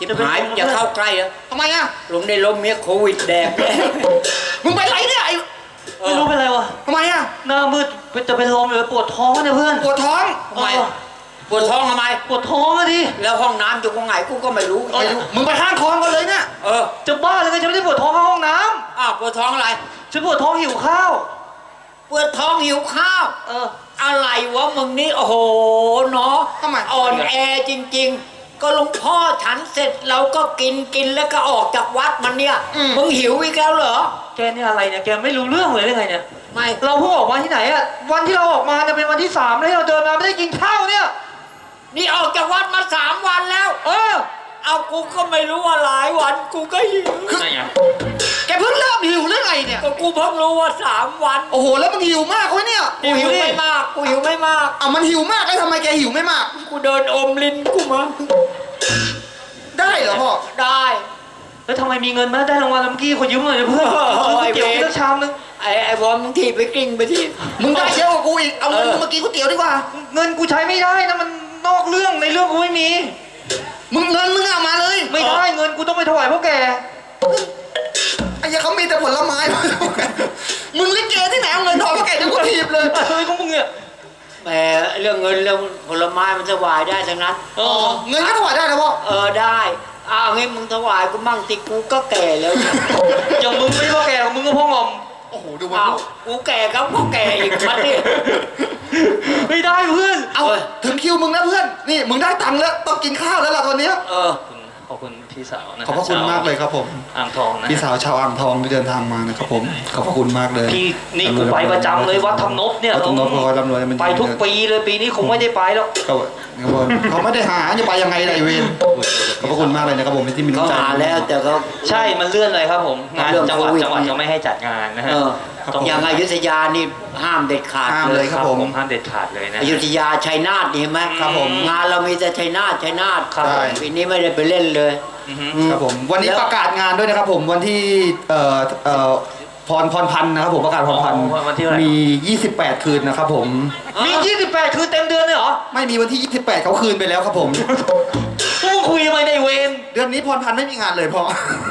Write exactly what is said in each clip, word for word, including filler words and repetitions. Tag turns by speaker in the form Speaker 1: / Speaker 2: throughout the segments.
Speaker 1: หายอย่าเข้าใกล้อะ
Speaker 2: ทำไมอ่ะ
Speaker 1: ลุงได้ล้มเมียโควิดแดกเลย
Speaker 2: มึงไปไรเนี่ยไอ้
Speaker 3: ไม่รู้เป็นไรวะ
Speaker 2: ทำไมอ่ะ
Speaker 3: หน้ามืดจะเป็นลมเลยปวดท้องเนี่ยเพื่อน
Speaker 2: ปวดท้อง
Speaker 1: ทำไมปวดท้องทำไม
Speaker 3: ปวดท้องอะดิ
Speaker 1: แล้วห้องน้ำอยู่ตรงไหนกูก็ไม่รู้
Speaker 2: ไม่รู้มึงไปห้างทองกันเลยเนี่ย
Speaker 1: เออ
Speaker 3: จะบ้าเลยไงฉันไม่ได้ปวดท้องเข้าห้องน้
Speaker 1: ำอ้าวปวดท้องอะไร
Speaker 3: ฉันปวดท้องหิวข้าว
Speaker 1: ปวดท้องหิวข้าว
Speaker 3: เออ
Speaker 1: อะไรวะมึงนี่โอ้โหเนาะ
Speaker 2: ทำไม
Speaker 1: อ่อนแอจริงๆก็หลวงพ่อฉันเสร็จเราก็กินกินแล้วก็ออกจากวัดมันเนี่ยมึงหิวอีกแล้วเหรอ
Speaker 3: แกนี่อะไรเนี่ยแกไม่รู้เรื่องเลยได้ไงเนี่ย
Speaker 1: ไม่
Speaker 3: เราเพิ่งออกมาที่ไหนอะวันที่เราออกมาเนี่ยเป็นวันที่สามแล้วเราเดินมาไม่ได้กินข้าวเนี่ย
Speaker 1: นี่ออกจากวัดมาสามวันแล้ว
Speaker 3: เออ
Speaker 1: เอากูก็ไม่รู้ว่าหลายวันกูก็หิว
Speaker 3: ไง
Speaker 2: แกเพิ่งเริ่มหิวหรือไงเนี่ย
Speaker 1: ก็กูเพิ่งรู้ว่าสามวัน
Speaker 2: โอ้โหแล้วมึงหิวมากเว้ยเนี่ย
Speaker 1: กูหิวไม่มากกูหิวไม่มาก
Speaker 2: อ่ะมันหิวมากแล้วทำไมแกหิวไม่มาก
Speaker 1: กูเดินอมลิ้นกูมา
Speaker 2: ได้เหรอพ่อ
Speaker 1: ได้
Speaker 3: แล้วทำไมมีเงินมาได้รางวัลเมื่อกี้ขอยืมหน่อยเพื่อนซื้อก๋วยเตี๋ยวกินชามนึง
Speaker 1: ไอ้ไอ้บอลมึงทีไปกลิ้งไปที่
Speaker 2: มึงได้เยอะกว่ากูอีกเอาเงินมึงมากินก๋วยเตี๋ยวดีกว่า
Speaker 3: เงินกูใช้ไม่ได้นะมันนอกเรื่องในเรื่องกูไม่มี
Speaker 2: มึงเงินมึงเอามาเลย
Speaker 3: ไม่ได้เงินกูต้องไปถวายพวกแก
Speaker 2: ไอ้ยังเขามีแต่ผลไม้มึงลิเกที่ไหนเอาเงินทองพวกแกจะกูถีบเลย
Speaker 3: เฮ้ยของมึงเนี่ย
Speaker 1: แหมเรื่องเงินเรื่องผลไม้มันถวายได้ทั้งนั้น
Speaker 2: เออเงินก็ถวายได้นะพ่อ
Speaker 1: เออได้อ้าวงี้มึงถวายกูมั่งติกูก็แก่แล้ว
Speaker 3: อย่างมึงไม่พ่อแก่ของมึงก็พ่องอม
Speaker 2: โอ้โหดูมัน
Speaker 1: กูแก่ครับพ่อแก่อีกมันนี่
Speaker 3: ไม่ได้เพื่อน
Speaker 2: เอาถึงคิวมึงนะเพื่อนนี่มึงได้ตังค์แล้วต้องกินข้าวแล้วล่ะตอนนี้
Speaker 1: เออ
Speaker 3: ขอบคุณพี่สาวนะ
Speaker 2: ขอบพระคุณมากเลยครับผม
Speaker 3: อ่างทองนะ
Speaker 2: พี่สาวชาวอ่างทองที่เดินทางมานะครับผมขอบพระคุณมากเลย
Speaker 3: พี่นี่กูไปประจำเลยวัดธรรมนพเนี่ย
Speaker 2: วัดธรรมนพคอยร่ำรวย
Speaker 3: ไปทุกปีเลยปีนี้คงไม่ได้ไปแล้ว
Speaker 2: เขาไม่ได้หาจะไปยังไงไรเวรขอบพระคุณมากเลยนะครับผมที่มีน้ำใจ
Speaker 1: เขาหาแล้วแต่เขา
Speaker 3: ใช่มันเลื่อนเลยครับผมงานจังหวัดจังหวัดเขาไม่ให้จัดงานนะฮะ
Speaker 1: อย่างอยุธยานี่ห้ามเด็ดขาด
Speaker 2: เลยครับผม
Speaker 3: ห้ามเด็ดขาดเลยนะ
Speaker 1: อยุธยาชัยนาทนี่ไหม
Speaker 2: ครับผม
Speaker 1: งานเรามีแต่ชัยนาทชัยนาท
Speaker 2: ครับ
Speaker 1: ปีนี้ไม่ได้ไปเล่นเลย
Speaker 2: ครับผมวันนี้ประกาศงานด้วยนะครับผมวันที่เอ่อเอ่อพรพรพันธ์นะครับผมประกาศพรพันธ์มียี่สิบแปดคืนนะครับผม
Speaker 3: มียี่สิบแปดคืนเต็มเดือนเลยเหรอ
Speaker 2: ไม่มีวันที่ยี่สิบแปดเขาคืนไปแล้วครับผม
Speaker 3: มึงคุยทำไมในเวร
Speaker 2: เดือนนี้พรพันธ์ไม่มีงานเลยพ่อ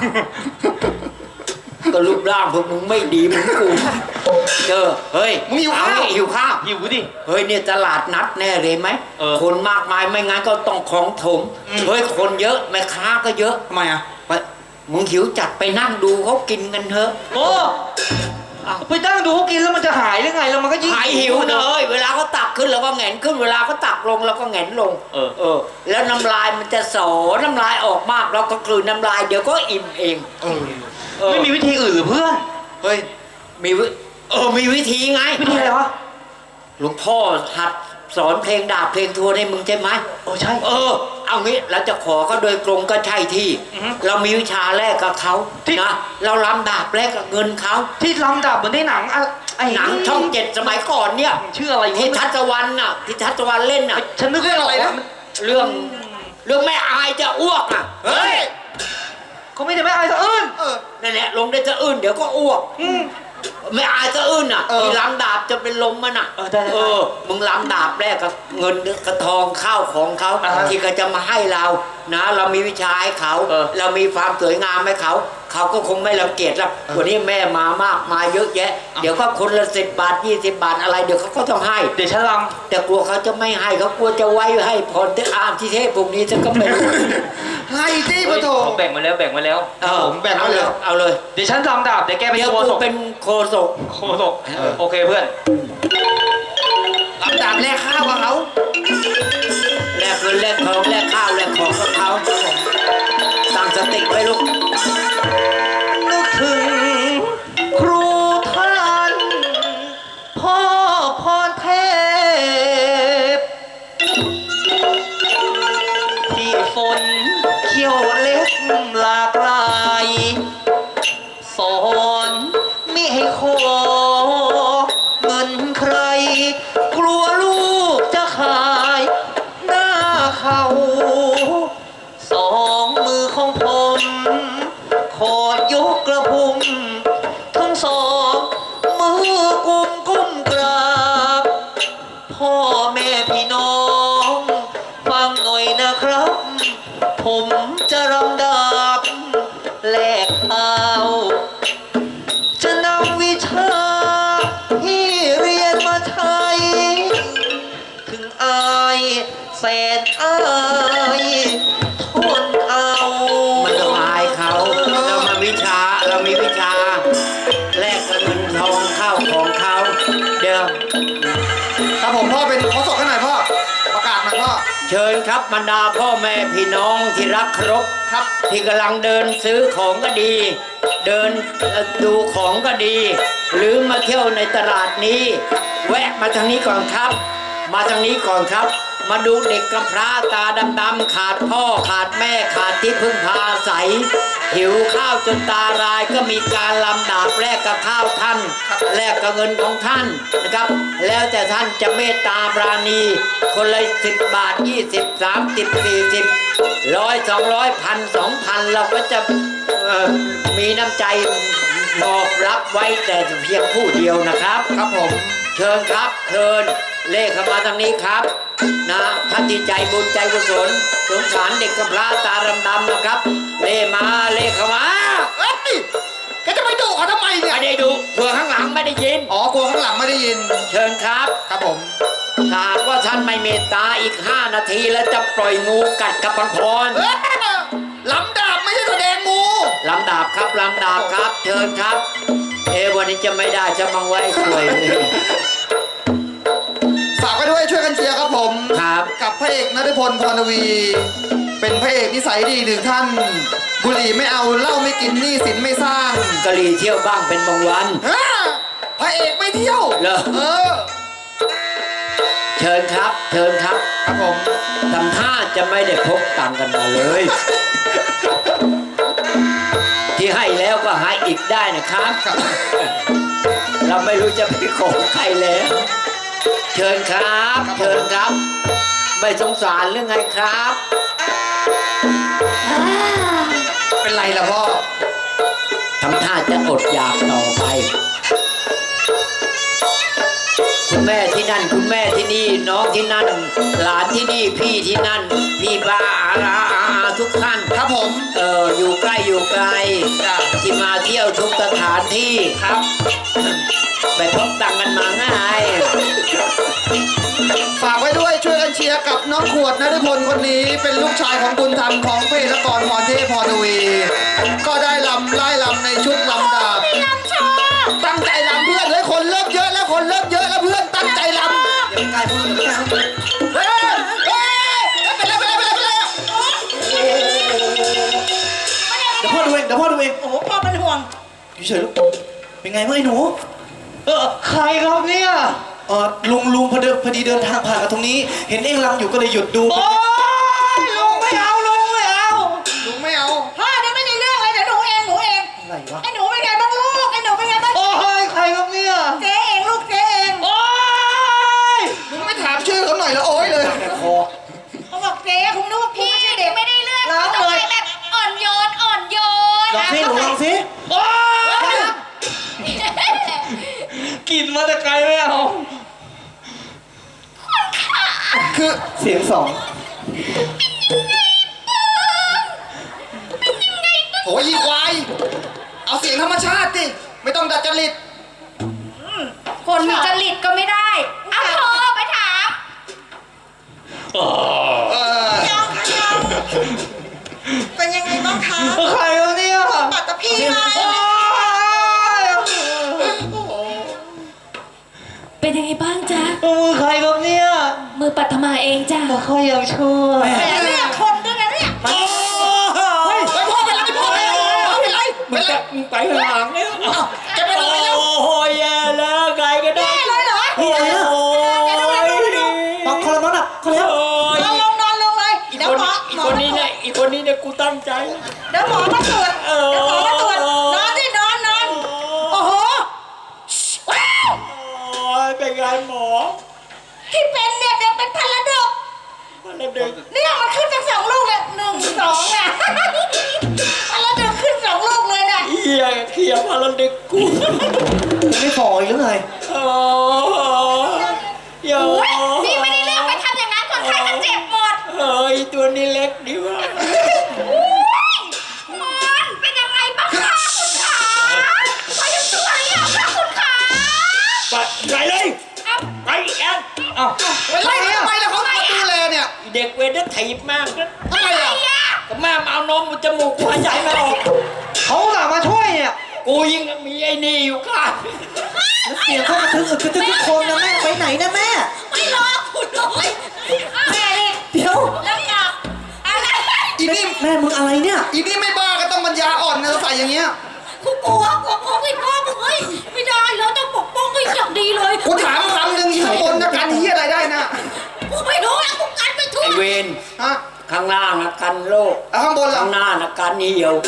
Speaker 1: ก็รูปร่างพวกมึงไม่ดีมึงกูเจอเฮ้ย
Speaker 2: มึงหิวข้าว
Speaker 1: หิวข้าว
Speaker 3: หิวดิ
Speaker 1: เฮ้ยเนี่ยตลาดนัดแน่เลยไหมคนมากมายไม่งั้นก็ต้องของถมเฮ้ยคนเยอะแม่ค้าก็เยอะ
Speaker 2: ทำไมอ่ะ
Speaker 1: มึงหิวจัดไปนั่งดูเขากินกันเถอะ
Speaker 3: โอ้ไปนั่งดูเขากินแล้วมันจะหายหรือไงแล้วมันก็ยิ่ง
Speaker 1: หายหิวเลยเวลาเขาตักขึ้นเราก็แหงนขึ้นเวลาเขาตักลงเราก็แหงนลง
Speaker 3: เออ
Speaker 1: เออแล้วน้ำลายมันจะสอน้ำลายออกมากเราก็กลืนน้ำลายเดี๋ยวก็อิ่มเอง
Speaker 2: เอ
Speaker 3: อไม่มีวิธีอื่นหรือเพื่อน
Speaker 1: เฮ้ยมีเออมีวิธีไง
Speaker 3: วิธีอะไรวะ
Speaker 1: หลวงพ่อหัดสอนเพลงดาบเพลงทวนให้มึงใช่ไหม
Speaker 3: โอ้ใช่
Speaker 1: เออเอางี้เราจะขอเขาโดยตรงก็ใช่ที่เรามีวิชาแลกกับเขานะเราลำดาบแลกกับเงินเขา
Speaker 3: ที่ลำดาบเหมือนในหนัง
Speaker 1: ไอ้หนังช่องเจ็ดสมัยก่อนเนี่ย
Speaker 3: ชื่ออะไร
Speaker 1: ที่ทัศวรรณน่ะที่ทัศวรรณเล่นน่ะ
Speaker 3: ฉันนึกเรื่องอะไรนะ
Speaker 1: เรื่องเรื่องแม่อายจะอ้วกอ่ะเฮ้ย
Speaker 3: เขาไม่ได้แม่อายจะอื้น
Speaker 1: เออนั่นแหละลงได้จะอื้นเดี๋ยวก็อ้วกไม่อายจะอื้นอ่ะที่ล้ำดาบจะเป็นลมมันอ่ะ
Speaker 3: เออได้
Speaker 1: เออมึงล้ำดาบแรกกับเงินกระทองข้าวของเขาที่เขาจะมาให้เรานะเรามีวิชาให้เขาเรามีความสวยงามให้เขาเขาก็คงไม่รังเกียจแล้ววันนี้แม่มามากมาเยอะแยะเดี๋ยวก็คนละสิบบาทยี่สิบบาทอะไรเดี๋ยวเขาก็ต้องให้
Speaker 3: เดี๋ยวฉันลำ
Speaker 1: แต่กลัวเขาจะไม่ให้เขากลัวจะไว้ให้พรที่อามที่เทพพวกนี้จะก็ไม่
Speaker 2: ให้ที่ปะโถ
Speaker 3: แบ่งมาแล้วแบ่งมาแล้ว
Speaker 2: ผมแบ่งมาแล้ว
Speaker 1: เอาเลย
Speaker 3: เดี๋ยวฉันลำดาบเดี๋ยวแกเป็นโคศก
Speaker 1: เป็นโคศก
Speaker 3: โคศกโอเคเพื่อน
Speaker 2: ลำดาบแลกข้าวกับเขา
Speaker 1: แลกเงินแลกทองแลกข้าวแลกของกับเขาตั้งสติไว้ลูก
Speaker 3: นึกถึงครูท่านพ่อพรเทพที่ฝนเขี้ยวเล็กหลากหลายสอนมิให้ขอเงินใครกลัวลูกจะขายหน้าเขาสองมือของผมขอยกกระพุ้งทั้งสองมือกุมกุ้มกราบพ่อแม่พี่น้องฟังหน่อยนะครับผมจะรำนอายทนเอา
Speaker 1: มันต้องอายเขาเรามาวิชาเรามีวิชาแลกกับเงินทองข้าวของเขาเดี๋ยว
Speaker 2: ครับผมพ่อเป็นขอสอบกันหน่อยพ่อประกาศหน่อยพ่อ
Speaker 1: เชิญครับบรรดาพ่อแม่พี่น้องที่รักเคารพ
Speaker 2: ครับ
Speaker 1: ที่กำลังเดินซื้อของก็ดี เดินเอ่อดูของก็ดี หรือมาเที่ยวในตลาดนี้ แวะมาทางนี้ก่อนครับ มาทางนี้ก่อนครับ มาดูเด็กกำพร้าตาดำๆขาดพ่อขาดแม่ขาดที่พึ่งพาอาศัย หิวข้าวจนตารายก็มีการลำดาบแลกกับข้าวท่านแลกกับเงินของท่านนะครับ แล้วแต่ท่านจะเมตตาปราณี คนละสิบบาทยี่สิบสามสิบสี่สิบร้อยสองร้อยพันสองพันเราก็จะเอ่อมีน้ำใจมอบรับไว้แต่เพียงผู้เดียวนะครับ
Speaker 2: ครับผม
Speaker 1: เชิญครับเชิญเลขเข้ามาทางนี้ครับนะท่านที่ใจบุญใจกุศลสงสารเด็กกำพร้าตาดำๆนะครับ เลขมาเลขเข้ามา
Speaker 2: เอ้ยแกจะไปดุเขาทำไมเนี่ย
Speaker 1: ไม่ได้ดูเผื่อข้างหลังไม่ได้ยิน
Speaker 2: อ๋อกลัวข้างหลังไม่ได้ยิน
Speaker 1: เชิญครับ
Speaker 2: ครับผม
Speaker 1: ถ้าหากว่าท่านไม่เมตตาอีกห้านาทีแล้วจะปล่อยงูกัดกับพังพร
Speaker 2: เอ้ยลำดาบไม่ใช่แสดงงู
Speaker 1: ลำดาบครับลำดาบครับ เชิญครับ เอะวันนี้จะไม่ได้จะมังไว้สวย
Speaker 2: ฝากไว้ด้วยช่วยกันเชียร์ครับผม
Speaker 1: ครับ
Speaker 2: กับพระเอกณัฐพลพรทวี เป็นพระเอกนิสัยดีหนึ่งท่าน บุหรี่ไม่เอาเหล้าไม่กินหนี้สินไม่สร้าง
Speaker 1: กะหรี่เที่ยวบ้างเป็นบางวัน
Speaker 2: ฮะพระเอกไม่เที่ยว
Speaker 1: เหรอ
Speaker 2: เออ
Speaker 1: เชิญครับ เชิญครับ
Speaker 2: ครับผม
Speaker 1: ทำท่าจะไม่ได้พกตังค์กันมาเลย ที่ให้แล้วก็ให้อีกได้นะครับ
Speaker 2: ครับ
Speaker 1: เราไม่รู้จะไปขอใครแล้ว เชิญครับ เชิญครับ ไม่สงสารหรือไงครับ
Speaker 2: เป็นไรล่ะพ่อ
Speaker 1: ทำท่าจะอดอยากต่อไป คุณแม่ที่นั่น คุณแม่ที่นี่ น้องที่นั่น หลานที่นี่ พี่ที่นั่น พี่บ้าอาอาอาทุกท่าน
Speaker 2: ครับผม
Speaker 1: เอออยู่ใกล้อยู่ไกล
Speaker 2: จ้ะ
Speaker 1: ที่มาเที่ยวทุกสถานที่ครับ ไปพบตังค์กันมาง่าย
Speaker 2: ฝากไว้ด้วยช่วยกันเชียร์กับน้องขวดณัฐพลคนนี้ เป็นลูกชายของบุญธรรมของเพลกรพรเทพพรทวี ก็ได้ลำไล่ลำในชุดลำดาบตั้งใจลำเพื่อนเลยคนเริ่มเยอะแล้วคนเริ่มเยอะแล้วเพื่อนตั้งใจลำอย่าไปใกล้พูดอย่าไปใกล้พูดเฮ้ยเฮ้ยเป็นไรเป็นไรเป็นไรเป็นไร
Speaker 4: เดี๋ยวพ่อดูเองเดี๋ยวพ่อดูเอง
Speaker 5: โอ้โหพ่อเป็นห่วง
Speaker 4: อยู่เฉยลูกเป็นไงเมื่อไอ้หนู
Speaker 3: เออใครครับเนี่ย
Speaker 4: เออลุงลุงพอดีพอดีเดินทางผ่านมาตรงนี้ เห็นเองรำอยู่ก็เลยหยุดดู
Speaker 3: โอ้ยลุงไม่เอาลุงไม่เอา
Speaker 2: ลุงไม่เอา
Speaker 5: พ่อเนี่ยไม่ได้เรื่องเลยเดี๋ยวหนูเองหนูเอง
Speaker 4: อะไรวะ
Speaker 5: ไอ้หนูเป็นไงบ้างลูกไอ้หนูเป็นไงบ้าง
Speaker 3: โอ้ยใครครับเนี่ย
Speaker 5: เจ๊เองลูกเจ๊เอง
Speaker 3: โอ้ย
Speaker 2: ลุงไม่ถามชื่อเขาหน่อยแล้วโอ้ยเลย
Speaker 4: แต่คอ
Speaker 5: เขาบอกเจ๊คงนึกว่าพี่ไม่ใช่เด็ก
Speaker 6: ไม่ได้เรื่อง
Speaker 5: ร้อง
Speaker 6: ต้อง
Speaker 5: เลย
Speaker 6: ไปแบบอ่อนโยนอ่อนโยน
Speaker 4: ลองสิหนูลองสิ
Speaker 3: โอ้ยกลิ่นมาแต่ไกลไม่เอา
Speaker 2: คือ
Speaker 4: เสียงสอง
Speaker 2: โอ้ยอีควาย เอาเสียงธรรมชาติดิไม่ต้องดัดจริต
Speaker 6: คนมีจริตก็ไม่ได้เอาโทรไปถาม
Speaker 3: เออ
Speaker 2: เออ
Speaker 5: น้องคะน้องเป็นยังไงบ้างคะ
Speaker 3: ใครครับเนี่ย
Speaker 5: ปัตตพีไหม
Speaker 3: โอ้ย
Speaker 6: เป็นยังไงบ้างจ๊ะ
Speaker 3: มือใครครับเนี่ย
Speaker 6: มือปัทมาเองจ้ะ
Speaker 3: แต่เขายังชั่ว
Speaker 5: แหมเรื่องคนด้วยนะเนี่ย
Speaker 3: โอ้ย
Speaker 2: ไปพ่อเป็นไรพ่อเป็นไรพ่อเป็นไร
Speaker 1: มึ
Speaker 2: เป็
Speaker 1: ง
Speaker 2: นไร
Speaker 1: จะมึงไปข้างหลังเนี่ย
Speaker 2: แกเป็นอะไรแล้ว
Speaker 1: โอ้โหแย่แล้วไกลก็ได้
Speaker 5: แย่เลยเหรอ
Speaker 1: โอ้ย
Speaker 4: ปักคอละมั้งอ่ะเขาแล้ว
Speaker 1: โอ้ย
Speaker 5: นอนลงนอนลงเลย
Speaker 1: อีก
Speaker 5: เดี๋ยว
Speaker 1: คน
Speaker 5: หมอ
Speaker 1: อีก
Speaker 5: หมอ
Speaker 1: คนนี้เนี่ยอีกคนนี้เนี่ยกูตั้งใจ
Speaker 5: เดี๋ยวหมอมาตรวจเดี๋ยวหมอมาตรวจนอนที่นอนนอนโอ้โหว้าว
Speaker 1: โอ้ยเป็นไงหมอ
Speaker 5: ที่เป็นเนี่ยเดี๋ยวเป็นพันละดก
Speaker 1: มันระดึก
Speaker 5: เนี่ยมันขึ้นจากสองลูกเลยหนึ่งสองเนี่ย มันระดึกขึ้นสองลูกเลยเนี่ย
Speaker 1: เฮียเขียพาระดึกกู
Speaker 4: ไม่ฟอยหรือไง
Speaker 1: โอ้ยโย
Speaker 6: อุ๊ยนี่ไม่ได้เรื่องไปทำอย่างนั้นคนไข้จะเจ็บหมด
Speaker 1: เฮ้ยตัวนี้เล็กดีว่ะ
Speaker 6: อุ๊ยมันเป็นยังไงบ้างคะคุณขาพอยังตัวหรือยังคะคุณขา
Speaker 1: ไปไหนเลย
Speaker 6: เอ้า
Speaker 1: ไปแอน
Speaker 3: เอ้า
Speaker 2: ไปไล่เขาทำไมล่ะเขามาดูแลเนี่ย
Speaker 1: เด็กเวรนั่นถีบมากนะ
Speaker 2: ทำไมอ่ะ
Speaker 1: ก็แม่มาเอานมมันจมูกกูหายใจไม่ออก
Speaker 3: เขาหลังมาช่วยเนี่ย
Speaker 1: กูยิ่งมีไอ้นี่อยู่ข้าง
Speaker 3: แล้วเสียงเขากระทึกอึกกระทึกทุกคนนะแม่ไปไหนนะแม่
Speaker 6: ไม่รอคุณเลยแม่นี่
Speaker 3: เดี๋ยว
Speaker 6: แล้วกลับอะไร
Speaker 2: อีนี่
Speaker 3: แม่มึงอะไรเนี่ย
Speaker 2: อีนี่ไม่บ้าก็ต้องปัญญาอ่อนนะใส่อย่างเงี้ย
Speaker 6: กูกลัวกลัวกลัวไม่กลัวเฮ้ยไม่ได้เราต้องปกป้องให้อย่างดีเลย
Speaker 2: กูถามคำหนึ่งข้างบนนะกันเฮียอะไรได้นะ
Speaker 6: กูไม่รู้แล้วกูกันไปทั่ว
Speaker 1: ไอ้เวร
Speaker 2: ฮะ
Speaker 1: ข้างล่างนะกันโรค
Speaker 2: แล้วข้างบนล่ะ
Speaker 1: ข้างหน้านะกันเหี่ยว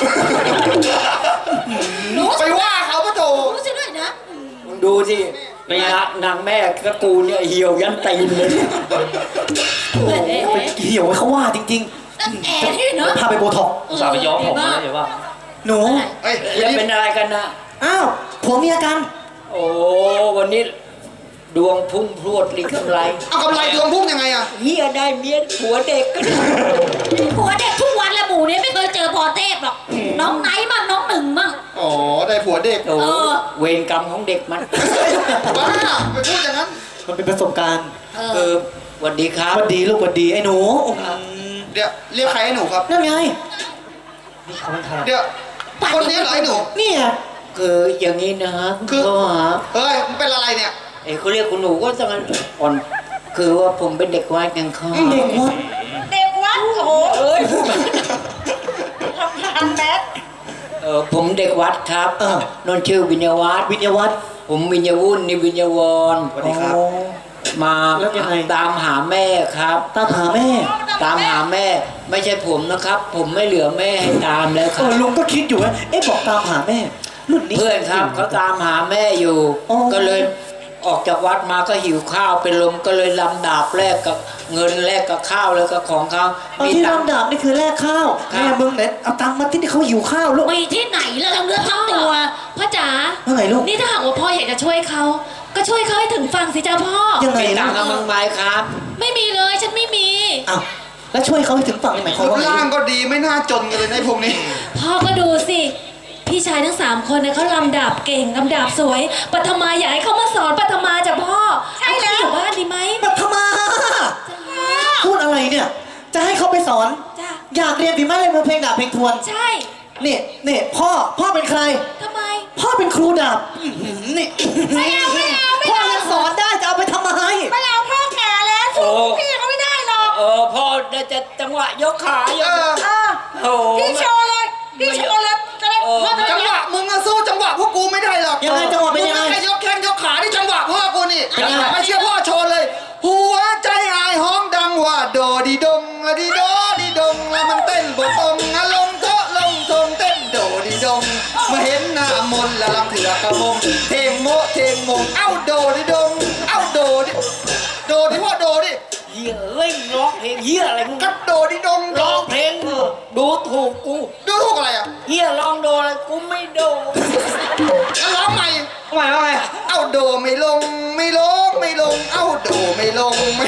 Speaker 2: ไปว่าเขาปะโถ
Speaker 6: รู้สิด้วยนะ
Speaker 1: มึงดูสินางนางแม่กระกูเนี่ยเหี่ยวยันตีนเลย
Speaker 6: เอ๊ะเอ๊ะ
Speaker 3: ไปเหี่ยวไว้เขาว่าจริง
Speaker 6: ตั้งแต่ที่เนอะ
Speaker 3: ๆพาไปโบท็อกซ์
Speaker 4: สาวไปย้อมผมนะเดี๋ยวว่า
Speaker 3: หนู
Speaker 2: เอ้ย
Speaker 1: แล้วเป็นอะไรกันนะ
Speaker 3: อ้าวผัวเมียกัน
Speaker 1: โอ้วันนี้ดวงพุ่งพรวดลิกำไร
Speaker 2: เอากำไรดวงพุ่งยังไงอ่ะ
Speaker 1: เฮียได้เมียผัวเด็กก็ได้
Speaker 6: ผัวเด็กทุกวันและหมู่เนี่ยไม่เคยเจอพอเทพหรอก น้องไหนมั่งน้องหนึ่งมั่ง
Speaker 2: อ๋อได้ผัวเด็ก
Speaker 1: โอ้
Speaker 6: เออ
Speaker 1: เวรกรรมของเด็กมัน
Speaker 2: บ้าไปพูดอย่างนั้น
Speaker 3: มันเป็นประสบการณ์
Speaker 6: เอ
Speaker 1: เอ
Speaker 6: อ
Speaker 1: อสวัสดีครับ
Speaker 3: หวันดีลูกหวันดีไอ้หนู
Speaker 2: เดี๋ยวเรียกใครให้หนูครับ
Speaker 3: นั่นไง
Speaker 2: เดี๋ยวคนนี้เหรอไอ้หนู
Speaker 3: เนี่ย
Speaker 1: คืออย่างนี้นะฮะ
Speaker 2: คือ
Speaker 1: ก็หา
Speaker 2: เฮ้ยมันเป็นอะไรเนี่ย
Speaker 1: ไอ้เขาเรียกคุณหนูก็ต้องอ่อนคือว่าผมเป็นเด็กวัดกันครับ
Speaker 3: เด็กวัด
Speaker 6: เด็กวัดโอ้โหเอ้ยทำทานแมส
Speaker 1: เออผมเด็กวัดครับ
Speaker 3: เออน
Speaker 1: นท์ชื่อวิญญาวัฒน์
Speaker 3: วิญญาวัฒน์
Speaker 1: ผมวิญญาวุ่นนี่วิญญาวร
Speaker 2: สวัสดีครับ
Speaker 3: อ๋อ
Speaker 1: มา
Speaker 3: แล้วยังไง
Speaker 1: ตามหาแม่ครับ
Speaker 3: ตามหาแม่
Speaker 1: ตามหาแม่ไม่ใช่ผมนะครับ ผมไม่เหลือแม่ให้ตามแล้วค
Speaker 3: เอ
Speaker 1: รับ
Speaker 3: อลุงก็คิดอยู่ว่าเอ๊ะบอกตามหาแม่รุ่นนี้
Speaker 1: เพื่อนครับเขาตามหาแม่อยู่
Speaker 3: อ๋อ
Speaker 1: ก็เลยออกจากวัดมาก็หิวข้าวเป็นลมก็เลยลำดาบแลกกับเงินแลกกับข้าวแล้วก็ของเขา
Speaker 3: เอา
Speaker 1: มี
Speaker 3: ที่
Speaker 1: ตังค์
Speaker 3: ลำดับนี่คือแลกข้าว
Speaker 1: ครับ
Speaker 3: แม่มึงเนี่ยเอาตังค์มาที่ที่เขาหิวข้าวลูก
Speaker 6: มีที่ไหนแล้วเราเลือกทั้งตัวพ่อจ๋า
Speaker 3: ว่าไงลูก
Speaker 6: นี่ถ้าหากว่าพ่ออยากจะช่วยเขาก็ช่วยเขาให้ถึงฝั่งสิจ้าพ่อ
Speaker 3: ยังไง
Speaker 1: มีตั
Speaker 3: นะ
Speaker 1: งค์กับมึงไหมครับ
Speaker 6: ไม่มีเลยฉันไม่มี
Speaker 3: อ้าวแล้วช่วยเขาให้ถึงฝั่งนี่หมายความ
Speaker 2: รูป
Speaker 3: ว่าไง
Speaker 2: ร่างก็ดีไม่น่าจนกันเลยในะไอ้พวกนี้
Speaker 6: พ่อก็ดูสิ พี่ชายทั้งสามคนเนี่ยเขาลำดาบเก่งลำดาบสวยปัทมาอยากให้เขามาสอนปัทมาจ้ะพ่อใช่แล้วอยู่บ้านดีไหม
Speaker 3: ปัทมาพูดอะไรเนี่ย จะให้เขาไปสอน
Speaker 6: จ้ะ
Speaker 3: อยากเรียนฝีไม้ลายมือเพลงดาบเพลงทวน
Speaker 6: ใช่
Speaker 3: นี่นี่พ่อพ่อเป็นใคร
Speaker 6: ทำไม
Speaker 3: พ่อเป็นครูดาบอื้อหือนี่
Speaker 6: ไม่เอาไม่เอาไม่เอา
Speaker 3: พ่อยังสอนได้จะเอาไปทำไม
Speaker 6: ไม่เอาพ่อแก่แล้วสู้พี่เขาไม่ได้หรอก
Speaker 1: เออพ่อได้จะจังหวะยกขาอ
Speaker 2: เอยู่ อ
Speaker 6: เออ
Speaker 1: โอ้โห
Speaker 6: พี่โชว์เลยพี่โชว์เลยจะได้พ่อจะ
Speaker 2: จังห
Speaker 6: ได้
Speaker 2: วะมึงอะสู้จังหวะพวกกูไม่ได้หรอก
Speaker 3: ยังไงจังหวะเป็นยังไง
Speaker 2: มึแค่ยกแข้งยกขาที่จังหวะพ่อกูนี่
Speaker 3: เป็นยังไง
Speaker 2: ไม่เชื่อพ่อโชว์เลย หัวใจอายห้องดังว่าโดดีดงอะดีโดดีดงแล้วมันเต้นบกตรงอะลงโต๊ะลงทงเต้นโดดีดงมาเห็นหน้ามนต์และลำเถือกระมงเทงโมเทงมงเอ้าโดดีดงเอ้าโดดิโดดิพ่อโดดิ
Speaker 1: เฮียเอ้ยร้องเพลงเฮียอะไรมึง
Speaker 2: กัดโดดิดงโด
Speaker 1: ร้องเพลงดูถูกกู
Speaker 2: ดูถูกอะไรอ่ะ
Speaker 1: เฮียร้องโดอะไรกูไม่โด
Speaker 2: แล้วร้องใหม่
Speaker 3: ทำไมว่าไง
Speaker 2: เอ้าโดไม่ลงไม่ลงไม่ลง เอ้าโดไม่ลงไม่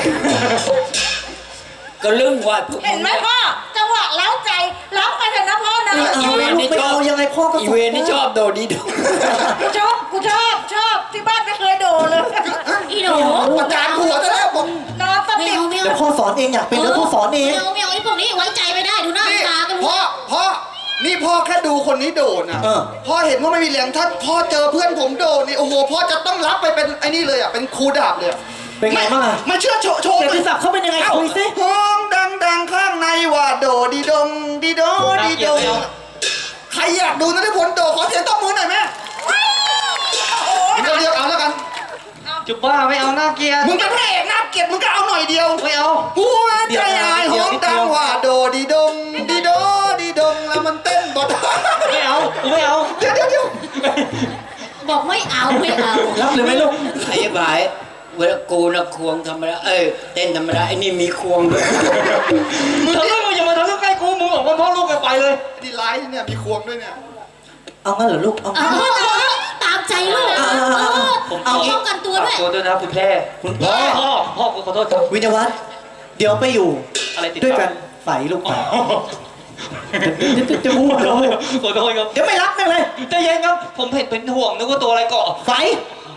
Speaker 1: ก็เรื่องว่าพวก
Speaker 6: เห็นไหมพ่อจังหวะเล้าใจร้องไปเถอะนะพ่อนะ
Speaker 3: ไม่เอาลูกไม่เอายังไงพ่อก็
Speaker 1: อี
Speaker 3: สอน
Speaker 1: เวนนี่ชอบโดดีโด
Speaker 6: กูชอบกูชอบชอบที่บ้านไม่เคยโดนเลยอีหนู
Speaker 2: ประจานหัวซะแล้วผม
Speaker 6: นอนส
Speaker 5: ไม่
Speaker 6: นิท
Speaker 5: เอาไม่
Speaker 3: เดี๋ยว
Speaker 5: เอา
Speaker 3: พ่อสอนเองอยากเป็นแล้วพ่อสอนเอง
Speaker 5: ไม่เอาไม่เอาไอ้พวกนี้ไว้ใจไม่ได้ดูหน้า
Speaker 2: นี่
Speaker 5: ตาก็รู้
Speaker 2: พ่อพ่อนี่พ่อแค่ดูคนนี้โดดนะ
Speaker 3: เออ
Speaker 2: พ่อเห็นว่าไม่มีแรงถ้าพ่อเจอเพื่อนผมโดดนี่โอ้โหพ่อจะต้องรับไปเป็นไอ้นี่เลยอ่ะเป็นครูดาบเลยอะ
Speaker 3: เป็นไงบ้างอะ
Speaker 2: ไม่เชื่อโชว์โชว์
Speaker 3: เกียรติศักดิ์เขาเป็นยังไง
Speaker 2: เอ้า
Speaker 3: คุยสิ
Speaker 2: ห้องดังดังๆข้างในว่าโดดีดงดีโดดีดงใครอยากดูนะที่ผลโดขอเสียงตบมือหน่อยแม่เดี๋ยวเดียวเอาแล้วกัน
Speaker 3: จุบบ้าไม่เอาหน้าเกียร์
Speaker 2: มึงเป็นพระเอกน่าเกลียดมึงก็เอาหน่อยเดียว
Speaker 3: ไม่เอา
Speaker 2: หัวใจอายหอมดังว่าโดดีดงดีโดดีดงแล้วมันเต้นบอด
Speaker 3: ไม่เอาไม่เอา
Speaker 2: เดี๋ยวเดี๋ยวเดี๋ยว
Speaker 5: บอกไม่เอาไม่เอา
Speaker 3: รับหรือไม่ลูก
Speaker 1: ไอ้บ่ายเวลากูนะควงธรรมดาเอ้ยเต้นธรรมดาไอ้นี่มีควงด้วย
Speaker 3: มึงทะลึ่งอย่ามาทะลึ่งใกล้กูมึงบอกว่าพ่อลูกกันไปเลย
Speaker 2: ดีไลท์เนี่ยมีควงด้วยเนี่ย
Speaker 3: เอางั้นเหรอลูกเอา
Speaker 5: เอาตามใจลูก
Speaker 3: เอาเอาเอาเอา
Speaker 5: เอาป้องกันตัวด้วย
Speaker 4: ตัวด้วยนะคุณแพร่
Speaker 3: คุณพ่อ
Speaker 4: พ่อพ่อขอโทษครับ
Speaker 3: วิญญาวัฒน์เดี๋ยวไปอยู่
Speaker 4: อะไรติด
Speaker 3: ด้วยกันไฝลูกไฝจะจะพูดเลย
Speaker 4: ขอโทษครับ
Speaker 3: เดี๋ยวไม่รับแม่งเลย
Speaker 4: ใจเย็นครับ ผมเห็นเป็นห่วงนึกว่าตัวอะไรเกาะ
Speaker 3: ไฝ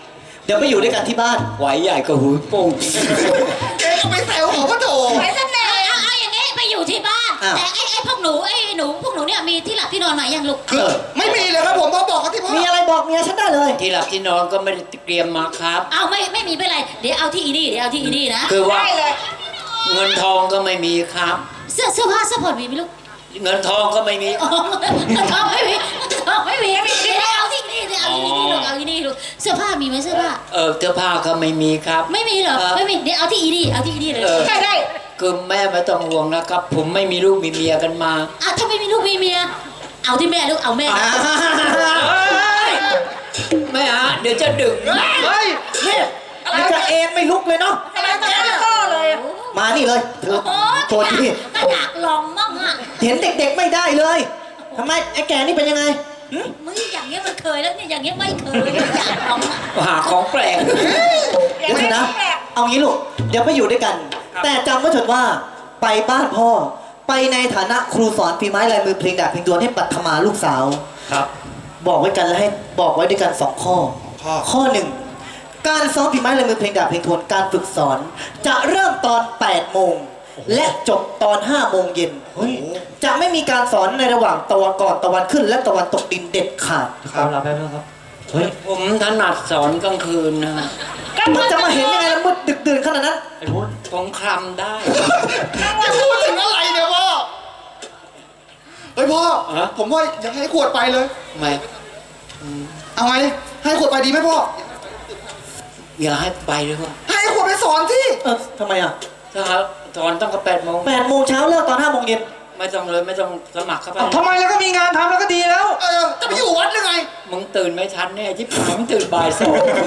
Speaker 3: เดี๋ยวไปอยู่ด้วยกันที่บ้าน
Speaker 1: ไหวใหญ่ก็หูโป้ง
Speaker 2: เจ๊ก็ไปแซวเขาว่าโถ
Speaker 6: ไปซะแนว
Speaker 7: นูพวกหนูเนี่ยมีที่หลับที่นอนใหม่ยังลูก
Speaker 2: คือไม่มีเลยครับผมพ่อบอกเขาที่พ่อ
Speaker 3: มีอะไรบอกเมียฉันได้เลย
Speaker 1: ที่หลับที่นอนก็ไม่ได้เตรียมมาครับ
Speaker 7: เอาไม่ไม่มีไม่เป็นไรเดี๋ยวเอาที่อีนี่เดี๋ยวเอาที่อีนี่นะ
Speaker 1: คือว่า
Speaker 5: ได้เลย
Speaker 1: เงินทองก็ไม่มีครับ
Speaker 7: เสื้อเสื้อผ้าเสื้อผ่อนมีไหมลูก
Speaker 1: เงินทองก็ไม่มี
Speaker 7: อ๋อทองไม่มีทองไม่มีไม่มีเอาที่นี่เดี๋ยวเอาที่นี่ลูกเอาที่นี่ลูกเสื้อผ้ามีไหมเสื้อผ้า
Speaker 1: เออเสื้อผ้าก็ไม่มีครับ
Speaker 7: ไม่มีเหรอ
Speaker 1: เออ
Speaker 7: ไม่มีเดี๋ยวเอาที่อีนี่เอาที่อีนี่เลย
Speaker 1: เออ
Speaker 5: ได้ได้
Speaker 1: คือแม่ไม่ต้องห่วงนะครับ ผมไม่มีลูกมีเมียกันมา
Speaker 7: อ่ะถ้าไม่มีลูกมีเมียเอาที่แม่ลูกเอาแม่
Speaker 1: แม่ฮะเดี๋ยวจะดึก
Speaker 3: เฮ้ยนี่มันจะเอ็นไม่ลุกเลยเนาะ
Speaker 5: อะไรตอนนั้นก็เลย
Speaker 3: มานี่เลยเธอ
Speaker 7: โอ้
Speaker 3: ตัวที่
Speaker 7: ก็อยากลองมั่งอ่ะ
Speaker 3: เห็นเด็กๆไม่ได้เลยทำไมไอ้แกนี่เป็นยังไงหึ
Speaker 7: มึงอย่างเงี้ยมันเคยแล้วเนี่ยอย่างเงี้ยไม่เคยอยากลองอ่ะ
Speaker 1: หาของแปลก
Speaker 3: เดี๋ยวเถอะนะ เอางี้ลูก เดี๋ยวไปอยู่ด้วยกัน แต่จำไว้เถิดว่า ไปบ้านพ่อ ไปในฐานะครูสอนฝีไม้ลายมือเพลงดาบเพลงดวนให้ปัทมาลูกสาว
Speaker 4: ครับ
Speaker 3: บอกไว้กันและให้บอกไว้ด้วยกันสองข้อ
Speaker 2: ข้อ
Speaker 3: ข้อหนึ่ง การซ้อมฝีไม้ลายมือเพลงดาบเพลงทวนการฝึกสอน จะเริ่มตอนแปดโมงและจบตอนห้าโมงเย็นจะไม่มีการสอนในระหว่างตะวันก่อนตะวันขึ้น และตะวันตกดินเด็ดขาด
Speaker 4: ครับรับแป๊บนึงครับ เฮ้ย
Speaker 1: ผมถนัดสอนกลางคืนนะ
Speaker 3: มันจะมาเห็นยังไงละมืดดึกดื่นขนาดนั้น
Speaker 4: ไอ้พุทธ
Speaker 1: ผมคลำได้
Speaker 2: พูดถึงอะไรเนี่ยพ่อเฮ้ยพ่อ
Speaker 1: ฮะ
Speaker 2: ผมว่าอยากให้ขวดไปเลย
Speaker 1: ไม่
Speaker 2: เอาไงให้ขวดไปดีไหมพ่อ
Speaker 1: อย่าให้ไปเลยว่า
Speaker 2: ให้ขวดไปสอนที่
Speaker 3: เออทำไมอ่ะ
Speaker 1: ถ้าครับสอนต้องกับแปดโมง
Speaker 3: แปดโมงเช้าเลิกตอนห้าโมงเย็น
Speaker 1: ไม่ต้องเลยไม่ต้องสมัครเข้าไป
Speaker 4: ทำไมแล้วก็มีงานทำแล้วก็ดีแล้ว
Speaker 2: เออจะไปอยู่วัดหรือไง
Speaker 1: มึงตื่นไม่ทันแน่ที่ผายมึงตื่นบ่ายสอง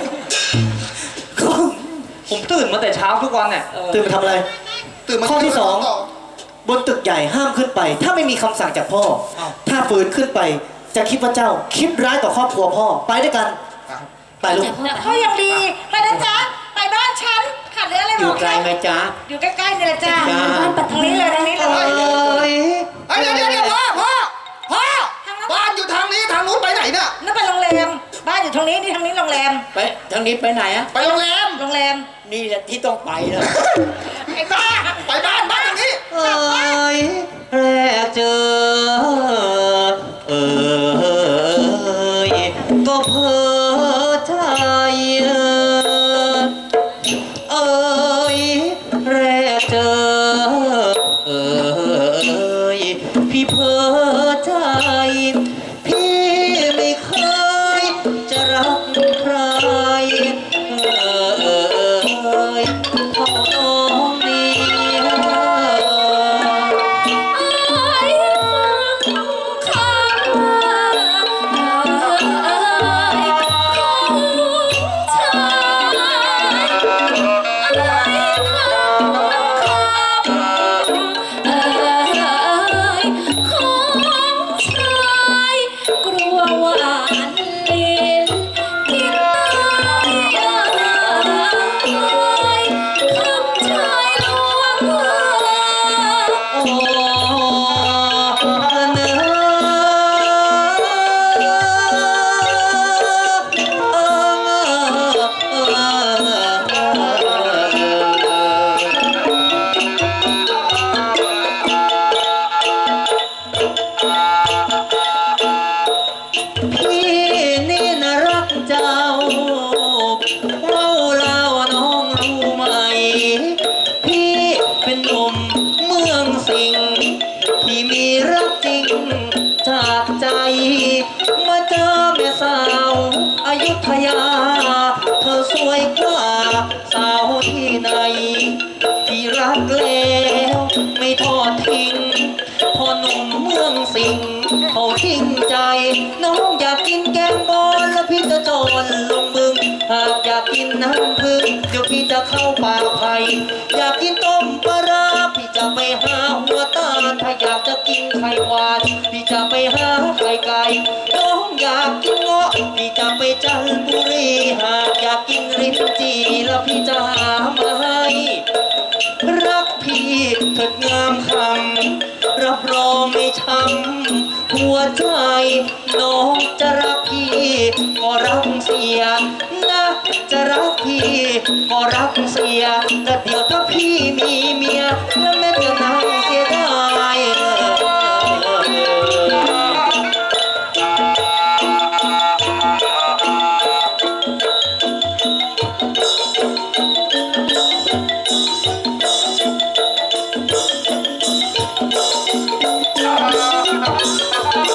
Speaker 4: ผมตื่นมาแต่เช้าทุกวันเนี่ย
Speaker 1: เออ
Speaker 3: ตื่นมาทำอะไร
Speaker 2: ตื่นมา
Speaker 3: ข้อที่สอง บนตึกใหญ่ห้ามขึ้นไป ถ้าไม่มีคำสั่งจากพ่อ ถ้าฝืนขึ้นไป จะคิดว่าเจ้า คิดร้ายต่อครอบครัวพ่อ ไปด้วยกัน ไปลูก
Speaker 7: แต่พ่อ
Speaker 5: เขายังดีไปนะจ๊ะไปบ้านฉันขาดเหลืออะไร
Speaker 1: อบ ยู่
Speaker 5: อก
Speaker 1: ไกลไหมจ๊ะ
Speaker 5: อยู่ใกล้ๆนี่แหละจ้า
Speaker 1: จ้า
Speaker 5: ทางนี้เลยทางนี้เลย
Speaker 3: เอ้ย
Speaker 2: เฮ้ยเดี๋ยวเดี๋ยวเดี๋ยวพ่อพ่อพ่อบ้านอยู่ทางนี้ทางนู้นไปไหนเนี่ย
Speaker 5: นั่นไปโรงแรมบ้านอยู่ทางนี้นี่ทางนี้โรงแรม
Speaker 1: ไปทางนี้ไปไหนอะ
Speaker 2: ไปโรงแรม
Speaker 5: โรงแรม
Speaker 1: นี่แหละที่ต้องไปแล้ว
Speaker 5: ไอ้บ้า
Speaker 2: ไปบ้านบ้านทางนี้
Speaker 3: เอ้ยแรกเจอ เอ้ยก็เพ้อใจเอ้ยแรกเจอ เอ้ยพี่เพ้อใจ พี่ไม่เคยจะรักใคร เอ้ยเท่าน้องนี้ พี่นี่น่ารักเจ้าเราเล่าน้องรู้ไหม พี่เป็นหนุ่มเมืองสิงห์ที่มีรักจริงจากใจมาเจอแม่สาวอยุธยา เธอสวยกว่าสาวที่ไหน ที่รักแล้วไม่ทอดทิ้งพอหนุ่มเมืองสิงห์เขาทิ้งใจ น้องอยากกินแกงบอลแล้วพี่จะโจรลงมึง หากอยากกินน้ำพึ่งเดี๋ยวพี่จะเข้าป่าไผ่อยากกินต้มปลาร้าพี่จะไปหาหัวตาลถ้าอยากจะกินไข่หวานพี่จะไปหาไข่ไก่น้องอยากกินเงาะพี่จะไปจันทบุรีหากอยากกินลิ้นจี่แล้วพี่จะหามาให้รักพี่เถิดงามคำรับรองไม่ช้ำหัวใจน้องจะรักพี่ก็รักเสียนะจะรักพี่ก็รักเสียแต่เดี๋ยวถ้าพี่มีเมียแล้วแม่